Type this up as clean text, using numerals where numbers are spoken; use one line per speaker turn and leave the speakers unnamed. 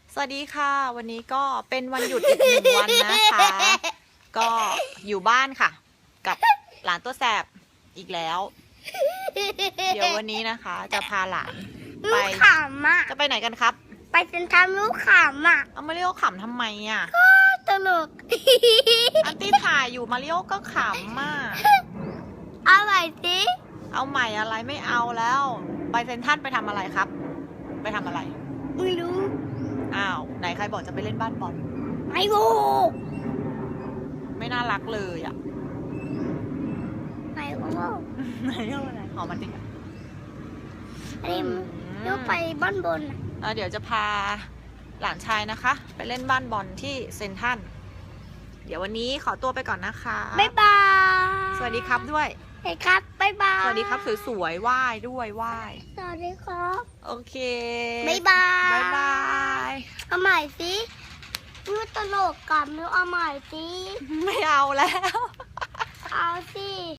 สวัสดีค่ะวันนี้ก็เป็นวันหยุดอีกหนึ่งวันนะคะก็อยู่บ้านค่ะ กับหลานตัวแสบอีกแล้ว เดี๋ยววันนี้นะคะ จะพาหลานไป
ลูกขำอ่ะ
จะไปไหนกันครับ
ไปเซ็นทรัลลูกขำอ่ะ
เอามาริโอขำทำไมอ่ะ
ตลก
อันตี้ถ่ายอยู่มาริโอก็ขำมาก
เอาใหม่สิ
เอาใหม่อะไรไม่เอาแล้ว ไปเซ็นทรัลไปทำอะไรครับ ไปทำอะไร
ไม่รู้
อ้าวไหนใครบอกจะไปเล่นบ้านบอล
ไม่รู้
ไม่น่ารักเลยอ่ะ
ไม่รู้
ไหนเอาอะไรหอมมันดิ
อันนี้ลูกไปบ้านบนอ่ะ
เดี๋ยวจะพาหลานชายนะคะ ไปเล่นบ้านบอลที่เซนทรัลเดี๋ยววันนี้ขอตัวไปก่อนนะคะ
บ๊ายบาย
สวัสดีครับด้วย
สวัสดีครับบ๊ายบาย
สวัสดีครับสวยๆไหว้ด้วยไหว้
สวัสดีครับ
โอเค
บ๊ายบาย
บ๊ายบาย
เอาใหม่สิลูกตลกกับลูกเอาใหม่สิ
ไม่เอาแล้ว
เอาสิ